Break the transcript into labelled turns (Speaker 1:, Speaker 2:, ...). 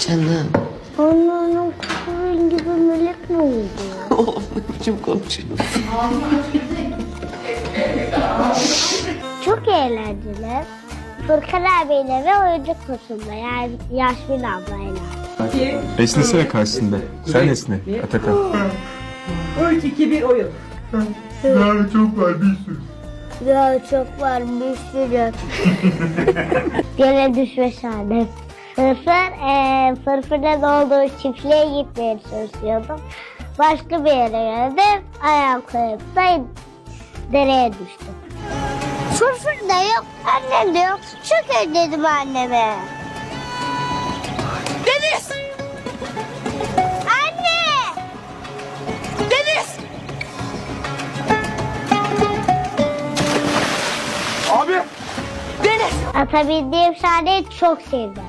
Speaker 1: Canım.
Speaker 2: Anneannem kızın gibi melek mi oldu?
Speaker 1: Oğlum ne biçim konuşuyorsun?
Speaker 2: Çok eğlenceli. Furkan abiyle ve oyuncak kutusunda yani Yasmin ablayla.
Speaker 3: Esnesene karşısında. Sen esne Atakan.
Speaker 4: 3, 2, 1 oyun.
Speaker 3: Daha çok var bir sürü.
Speaker 2: Ya çok var bir sürü. Gene düşmüş annem. Fırfırın olduğu çiftliğe gitmeye çalışıyordum. Başka bir yere geldim. Ayağım kayıp da dereye düştüm. Fırfır da yok, annem de yok. Çok özledim anneme.
Speaker 4: Deniz!
Speaker 2: Anne!
Speaker 4: Deniz! Abi! Deniz!
Speaker 2: Ata bindiğim sahneyi çok sevdim.